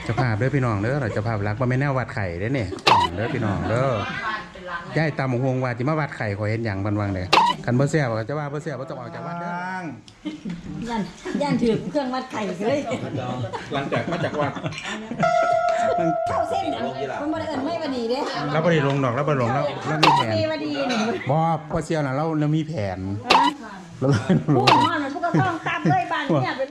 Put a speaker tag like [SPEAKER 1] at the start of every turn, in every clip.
[SPEAKER 1] จะภาพเด้อพี่น้องเด้อเราจะภาพรักว่าไม่แน่วัดไข่เด้อเนี่ยเด้อพี่น้องเด้อย่ายตามหงว่าจะมาวัดไข่ขอเห็นอย่างบันวังเลยคันเบอร์เสียบจะว่าเบอร์เสียบต้องออกจากวัดเด้
[SPEAKER 2] ย่านถือเครื่องวัดไข่เลย
[SPEAKER 1] หลังจากมาจากวัด
[SPEAKER 2] เข้าเส้นมันบ่ได้เอิ้นไม่บ่ดีเด้
[SPEAKER 1] เราบ่ได้ลงดอกเราบ่ได้ลงแล้วมีแผน
[SPEAKER 2] บ่ดีนี่
[SPEAKER 1] บ่พอเสียวน่ะเรามีแผนเราเลยลง
[SPEAKER 2] พูดฮอดมันพวกก็ต้องตับเลยบ้านเนี่ยไป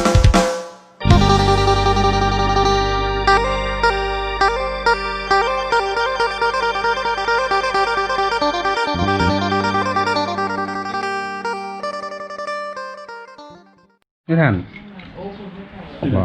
[SPEAKER 1] นี่ท่านบอก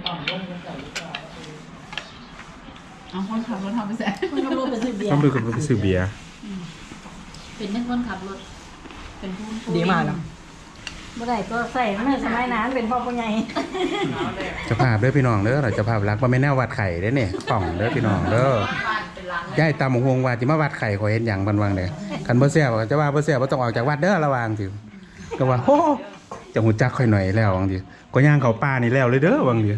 [SPEAKER 3] เอาคนขับรถทำไปแสน
[SPEAKER 2] คนขับรถไปซื้อเบียร์
[SPEAKER 1] ต้องไปกับไปซื้อเบียร์
[SPEAKER 3] เป็นยังคนขับรถเป็นผู้
[SPEAKER 4] ดีมากแล้ว
[SPEAKER 2] บ่ได้ก็ใส่เมื่อสมัยนั้นเป็นพ่อผู้ใหญ่
[SPEAKER 1] จะภาพเด้อพี่น้องเด้อเราจะภาพรักว่าไม่แน่วัดไข่เด้อเนี่ยป่องเด้อพี่น้องเด้อย่ายตามหงว่าจะมาวัดไข่ขอเห็นอย่างบันวังเลยคันเบอร์เสียบจะว่าเบอร์เสียบต้องออกจากวัดเด้อระวังสิก็ว่าโอ้จะหูจักค่อยหน่อยแล้วบางทีก็ย่างเขาป่านี่แล้วเลยเด้อบางที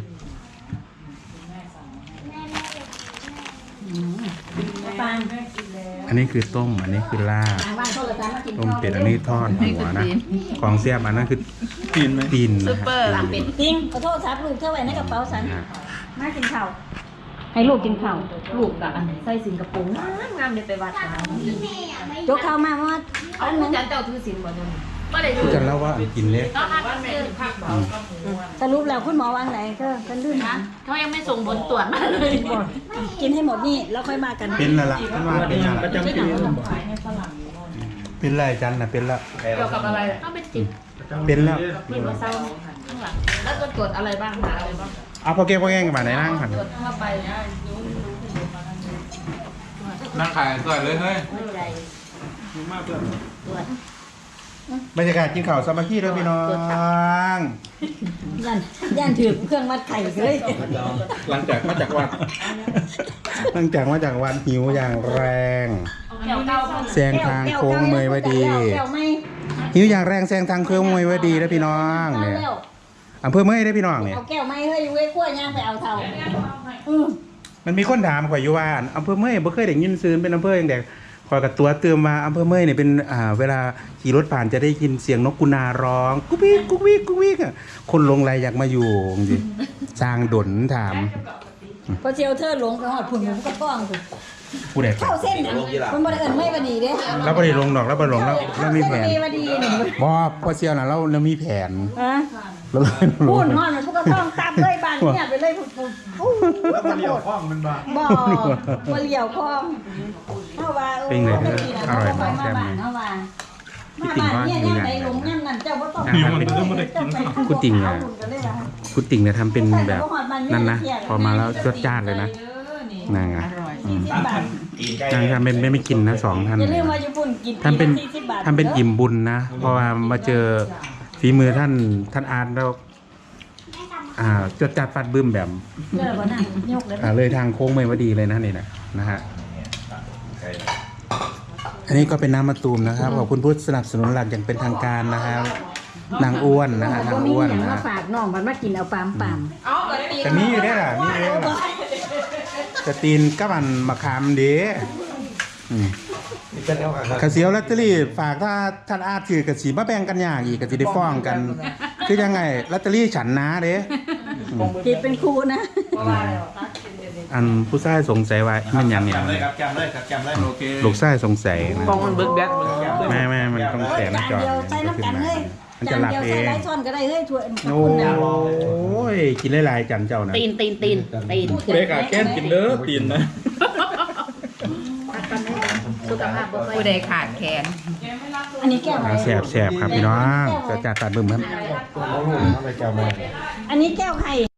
[SPEAKER 2] ปาง
[SPEAKER 1] อันนี้คือต้มอันนี้คือลาบ
[SPEAKER 2] บ้านโทรศัพท์มากิน
[SPEAKER 1] ต้มเป็ดอันนี้ทอดหัวนะของเสียบอันนั้นคือตีนไหมตีนนะฮะ
[SPEAKER 2] เป็ดจริงขอโทษครับลูกเท่าไว้ในกระเป๋าฉันมากินข้าวให้ลูกกินข้าวลูกกะใส่สินกระปุกงามเดี๋ยวไปวัดยกข้าวมาเพราะว่า
[SPEAKER 3] เอาคุณจันเจ้าถือสินบ่เนี่ยไม่ได้
[SPEAKER 1] คุณจะเล่าว่ากินเล็ก
[SPEAKER 3] ต้องหักซื้อ
[SPEAKER 2] สรุปแล้วคุณหมอวางไหนก็กันลื่น
[SPEAKER 3] นะเขายังไม่ส่งผลตรวจมาเลย
[SPEAKER 2] กินให้หมดนี่แล้วค่อยมากัน
[SPEAKER 1] เป็นละละมันว่าเป็นละ
[SPEAKER 4] ประจำปี
[SPEAKER 1] เป็นไรจันนะเป็นละ
[SPEAKER 3] เกี่ยวกับอะไรต้องเป็นจิต
[SPEAKER 1] เป็นแล้ว
[SPEAKER 3] มีว่าเศร้าข้างหลังแล้วก็ตรวจอะไรบ้างหาอะไรบ้าง
[SPEAKER 1] เอาพอเก็บพอแง่งกันมาไหนนั่งผ่าน
[SPEAKER 3] ตรวจเข้าไป
[SPEAKER 5] นั่งขายสวยเลยเฮ้ย
[SPEAKER 3] หัวใจตรวจ
[SPEAKER 1] บรรยากาศกินข้าวสามัคคีด้วยพี่น้อง
[SPEAKER 2] ย่านถือเครื่องวัดไข่เลย
[SPEAKER 1] หลังจากมาจากวัดหิวอย่างแรง
[SPEAKER 3] แก้วเก้า
[SPEAKER 1] แซงทางโค้งเมยวดี
[SPEAKER 2] แก้วไม่
[SPEAKER 1] หิวอย่างแรงแซงทางโค้งเมยวดีแล้วพี่น้องเนี่ยอำเภอเมยได้พี่น้องเนี่ย
[SPEAKER 2] เอาแก้วไม่เฮ้ยเว้ยขั้วย่างไปเอาเท่า
[SPEAKER 1] มันมีคนถามข่อยอยู่ว่าอำเภอเมยบ่เคยได้ยินซื่อเป็นอำเภออย่างเด็กข่อยกับตัวเติมมาอำเภอเมยเนี่ยเป็นเวลาขี่รถผ่านจะได้ยินเสียงนกกุนาร้องกุ๊กวิกกุ๊กวิกกุ๊กวิกอ่ะคนหลงไหลอยากมาอยู่จริงๆสร้างดนถาม
[SPEAKER 2] พอเชียวเธอหลงไปหอดผุนก็ป้องสิ
[SPEAKER 1] ผู้ใด
[SPEAKER 2] เข้าเส้นมันบ่ได้เอิ้นไม่บ่ดีเด้
[SPEAKER 1] เราบ่ได้ลงดอกเราบ่ได้ลงแล้วมีแผน
[SPEAKER 2] บ่ดีนี่
[SPEAKER 1] บ่พอเชียวน่ะเรามีแผน
[SPEAKER 2] ฮะ
[SPEAKER 1] เราเลยล
[SPEAKER 2] พู
[SPEAKER 1] ง
[SPEAKER 2] ดฮอดมันพวกก็ต้องตับเลยบ้านเนี่ยไปเลยแล้วมันเลี้ยวคล้องมันบ่บ่เลี้ยวคล้องเฮาว่าเฮาว่ามาบ้านเนี่ยยังไดลงยังนั่นเจ้าบ่ต้อง
[SPEAKER 1] คุณติ่งเนี่ยทำเป็นแบบนั่นนะพอมาแล้วจวดจ้านเลยนะนางอ่ะนางทำเป็นไม่กินนะ2 ท่าน
[SPEAKER 2] อย่าลืมว่าญี่ปุ่นกิน
[SPEAKER 1] ทำเป็นอิ่มบุญนะเพราะว่ามาเจอฝีมือท่านอาร์ตแล้วจวดจัดฟัดบึ้มแบบเลยทางโค้งเมยวดีเลยนะนี่นะฮะอันนี้ก็เป็นน้ำมะตูมนะครับขอบคุณผู้สนับสนุนหลักอย่างเป็นทางการนะครับนางอ้วนนะฮะนางอ้วนนะ
[SPEAKER 2] มาฝากน้องมันมากินเอาปาม
[SPEAKER 1] แต่มีอยู่ได้ล่ะมีอยู่ได้ล่ะจะตีนกับมันมะขามเด้กระเสียวลอตเตอรี่ฝากถ้าท่านอาถือกระสีมาแบ่งกันอย่างอีกกระสีได้ฟ้องกันคือยังไงลอตเตอรี่ฉันนะเด้
[SPEAKER 2] กินเป็นครูนะ
[SPEAKER 1] อันผู้ชายสงสัยว่ามันยังเนี่ย
[SPEAKER 5] ครับจำเลยโอเค
[SPEAKER 1] ลูกชายสงสัยนะ
[SPEAKER 4] กองมันเบิกแบก
[SPEAKER 1] แม่มันต้องแสงหน้าจอ
[SPEAKER 2] เดียวใส่น้ำกันเลย
[SPEAKER 1] มัน
[SPEAKER 2] จา
[SPEAKER 1] จะ
[SPEAKER 2] น
[SPEAKER 1] หลับ
[SPEAKER 2] เดียว
[SPEAKER 1] เอ
[SPEAKER 2] ใส่
[SPEAKER 1] ง
[SPEAKER 2] ไร้ช้อนก็ได้เฮ้ยถ้วย
[SPEAKER 1] โอ้ยกินหลายๆจันเจ้านะ
[SPEAKER 3] ตีน
[SPEAKER 5] ผู้ใดขาแก้นกินเด้อตีนนะ
[SPEAKER 3] สุขภาพผู้ใดขาดแขน
[SPEAKER 2] อันนี้แก้วไหน
[SPEAKER 1] แสบครับพี่น้องจะจัดตัดบึ้มครับ
[SPEAKER 2] อันนี้แก้วไข่